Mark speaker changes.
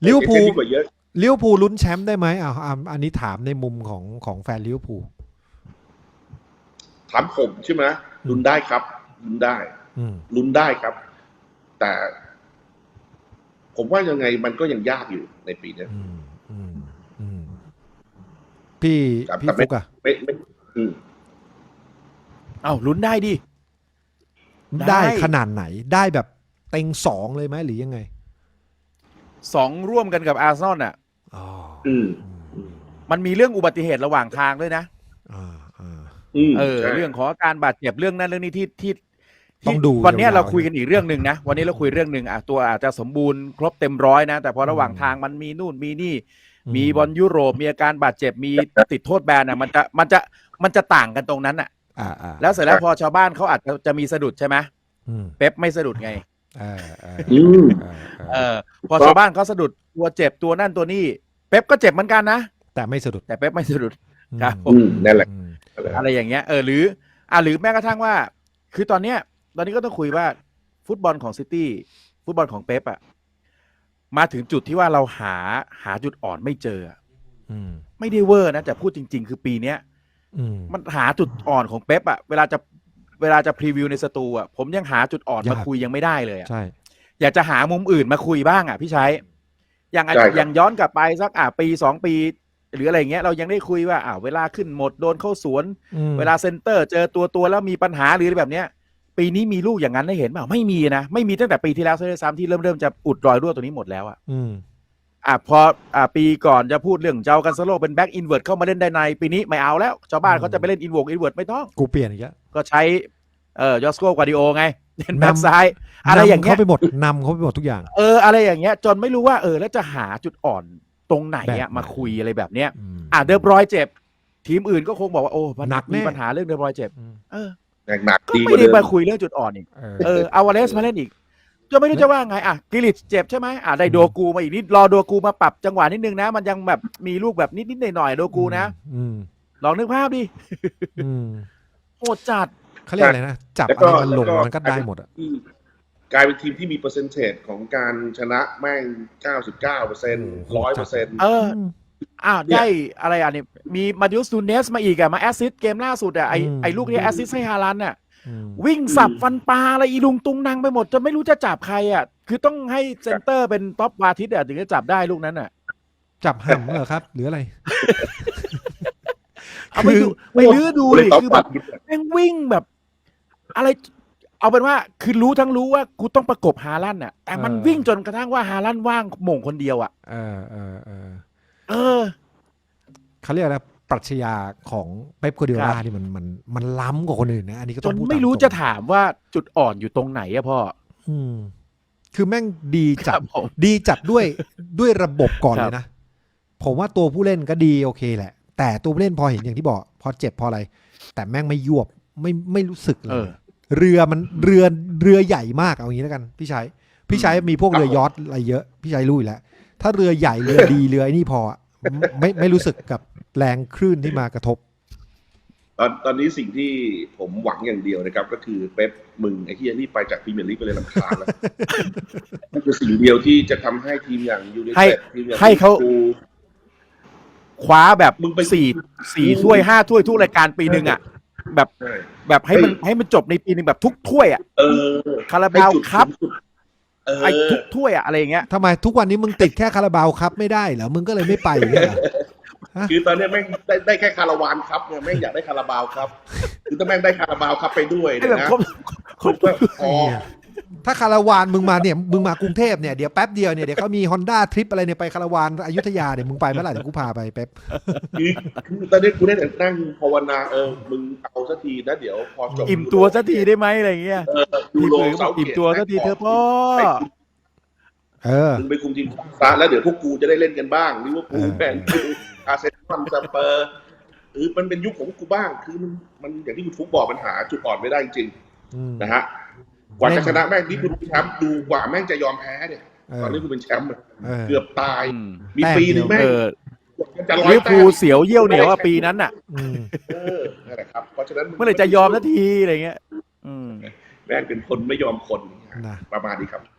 Speaker 1: ลิเวอร์พูล
Speaker 2: ดีกว่าเยอะ
Speaker 1: ลิเวอร์พูลลุ้นแชมป์ได้ไหมอันนี้ถามในมุมของแฟนลิเวอร์พูล
Speaker 2: ถามผมใช่ไหมลุ้นได้ครับลุ้นได้ลุ้นได้ครับ แต่ผมว่ายังไงมันก็ยังยากอยู่ในปีนี้
Speaker 1: พี่ฟุกอะ
Speaker 3: ลุ้นได้ดิ
Speaker 1: ได้ขนาดไหนได้แบบเต็ง2เลยไหมหรือยังไง
Speaker 3: 2ร่วมกันกับอาร์เซนอลอ่ะมันมีเรื่องอุบัติเหตุระหว่างทางด้วยนะเรื่องของการบาดเจ็บเรื่องนั้นเรื่องนี้ที่
Speaker 1: ต้องดู
Speaker 3: วันนี้เราคุยกันอีกเรื่องหนึ่งนะวันนี้เราคุยเรื่องหนึ่งตัวอาจจะสมบูรณ์ครบเต็มร้อยนะแต่พอระหว่างทางมันมีนู่นมีนี่มีบอลยุโรปมีอาการบาดเจ็บมีติดโทษแบนอ่ะมันจะต่างกันตรงนั้นอ่ะแล้วเสร็จแล้วพอชาวบ้านเขาอาจจะมีสะดุดใช่ไหมเป๊ปไม่สะดุดไงพอชาวบ้านเขาสะดุดตัวเจ็บตัวนั่นตัวนี่เป๊ปก็เจ็บเหมือนกันนะ
Speaker 1: แต่ไม่สะดุด
Speaker 3: แต่เป๊ปไม่สะดุดครับ
Speaker 2: นั่นแหละ
Speaker 3: อะไรอย่างเงี้ยหรือแม้กระทั่งว่าคือตอนนี้ก็ต้องคุยว่าฟุตบอลของซิตี้ฟุตบอลของเป๊ปอะมาถึงจุดที่ว่าเราหาจุดอ่อนไม่เจอไม่ได้เวอร์นะแต่พูดจริงๆคือปีเนี้ยมันหาจุดอ่อนของเป๊ปอะเวลาจะพรีวิวในสตูอะผมยังหาจุดอ่อนมาคุยยังไม่ได้เลยอะ
Speaker 1: ใช่
Speaker 3: อยากจะหามุมอื่นมาคุยบ้างอะพี่ชัยอย่างย้อนกลับไปสักปี2 ปีหรืออะไรเงี้ยเรายังได้คุยว่าเวลาขึ้นหมดโดนเข้าสวนเวลาเซนเตอร์เจอตัวแล้วมีปัญหาหรืออะไรแบบเนี้ยปีนี้มีลูกอย่างนั้นได้เห็นเปล่าไม่มีนะไม่มีตั้งแต่ปีที่แล้วซ้ำที่เริ่มจะอุดรอยรั่วตัวนี้หมดแล้วพอปีก่อนจะพูดเรื่องเจ้ากันซาโลเป็นแบ็กอินเวิร์ตเข้ามาเล่นได้ในปีนี้ไม่เอาแล้วชาวบ้านเขาจะไปเล่นอินเวิร์ตไม่ต้อง
Speaker 1: กูเปลี่ยนอีกแล้ว
Speaker 3: ก็ใช้ยอสโกกวาดิโอไงเล่นแบ็กซ้ายอะไรอย่างเงี้ย
Speaker 1: เขาไปหมดนำเขาไปหมดทุกอย่าง
Speaker 3: อะไรอย่างเงี้ยจนไม่รู้ว่าแล้วจะหาจุดอ่อนตรงไหนมาคุยอะไรแบบเนี้ยเดอบรอยเจ็บทีมอื่นก็คงบอกว่าโอ้
Speaker 1: หนัก
Speaker 3: มีปัญหาเรื่องเดอบรอยเจ็บ
Speaker 2: หนัก
Speaker 3: ก็ไม่ได้มาคุยเรื่องจุดอ่อนอีกอาวาเลสมาเล่นอีกจะไม่รู้จะว่าไงกิลิชเจ็บใช่ไหมได้โดกูมาอีกนิดรอโดกูมาปรับจังหวะนิดนึงนะมันยังแบบมีลูกแบบนิดหน่อยโดกูนะลองนึกภาพดิโหดจัด
Speaker 1: เขาเรียกอะไรนะจับอะไรมันลงมันก็ได้หมด
Speaker 2: กลายเป็นทีมที่มีเปอร์เซ็นต์ของการชนะแม่ง 99% 100%
Speaker 3: ได้อะไรเนี่ยมีมาดิอุสนูเนสมาอีกมาแอสซิสต์เกมล่าสุดไอ้ลูกที่แอสซิสต์ให้ฮาลันด์วิ่งสับฟันปลาอะไรอีลุงตุงนางไปหมดจนไม่รู้จะจับใครคือต้องให้เซนเตอร์เป็นท็อปวาทิตถึงจะจับได้ลูกนั้น
Speaker 1: จับห่ำเหรอครับหรืออะไร
Speaker 3: เอาไปลื้อดูดิคือแบบแม่งวิ่งแบบอะไรเอาเป็นว่าคือรู้ว่ากูต้องประกบฮาลันด์แต่มันวิ่งจนกระทั่งว่าฮาลันด์ว่างโหม่งคนเดียว
Speaker 1: เขาเรียกอะไรปรัชญาของเป๊ป กวาร์ดิโอลาที่มันล้ำกว่าคนอื่นนะอันนี้ก็ต้องพูด
Speaker 3: ไม่รู้จะถามว่าจุดอ่อนอยู่ตรงไหนพ่อ
Speaker 1: คือแม่งดีจัดด้วยระบบก่อนเลยนะผมว่าตัวผู้เล่นก็ดีโอเคแหละแต่ตัวผู้เล่นพอเห็นอย่างที่บอกพอเจ็บพออะไรแต่แม่งไม่ยวบไม่รู้สึกเลยเรือใหญ่มากเอาอย่างนี้แล้วกันพี่ชัยมีพวกเรือยอชต์อะไรเยอะพี่ชัยรู้อยู่แล้วถ้าเรือใหญ่เรือดีเรือไอ้นี่พอไม่รู้สึกกับแรงคลื่นที่มากระทบ
Speaker 2: ตอนนี้สิ่งที่ผมหวังอย่างเดียวนะครับก็คือเป๊ปมึงไอ้ที่นี่ไปจากพรีเมียร์ลีกไปเลยรำคาญแล้วนั่นคือสิ่งเดียวที่จะทำให้ทีมอย่างยูไนเต็ด
Speaker 3: ให้เขาคว้าแบบมึงไป4 ถ้วย 5 ถ้วยทุกรายการปีนึงแบบให้มันจบในปีนึงแบบทุกถ้วยคาราบาวครับไอ้ทุกถ้วยอะไรอย่างเงี้ย
Speaker 1: ทำไมทุกวันนี้มึงติดแค่คาราบาวครับไม่ได้เหรอมึงก็เลยไม่ไปเนี่ย
Speaker 2: คือตอนนี้แม่งได้แค่คาราวานครับเนี่ยแม่งอยากได้คาราบาวครับคือถ้าแม่งได้คาราบาวครับไปด้วยนะ
Speaker 1: ถ้าคาราวานมึงมาเนี่ยมึงมากรุงเทพเนี่ยเดี๋ยวแป๊บเดียวเนี่ยเดี๋ยวเขามี Honda ทริปอะไรเนี่ยไปคาราวานอยุธยาเนี่ยมึงไปเมื่อไหร่เดี๋ยวกูพาไปเป๊ป
Speaker 2: คือตอนนี้กูได้แต่นั่งภาวนามึงเอาสักทีนะเดี๋ยวพอจบ
Speaker 3: อิ่มตัวสักทีได้ไหมอะไรเงี้ย
Speaker 2: ดูโลเสา
Speaker 3: อิ่มตัวสักทีเธอพ่อ
Speaker 2: มึงไปคุมทีมซะแล้วเดี๋ยวพวกกูจะได้เล่นกันบ้างลิเวอร์พูลแมนยูอาร์เซนอลสเปอร์มันเป็นยุคของกูบ้างคือมันอย่างที่คุณฟุกบอกมันหาจุดอ่อนไม่ได้จริงนะฮะกว่าจะชนะแม่งนี่คุณแชมป์ดูกว่าแม่งจะยอมแพ้เนี่ยตอนนี้คุณเป็นแชมป์เกือบตายมีปีนึงแม่ง
Speaker 3: จะลิเวอร์พูลเสียวเยี่ยวเหนียวปีนั้นนั่
Speaker 2: นแหละครับเพราะฉะนั้น
Speaker 3: เมื่อไหร่จะยอมสักทีอะไรเงี้ย
Speaker 2: แม่งเป็นคนไม่ยอมคนประมาณนี้ครับ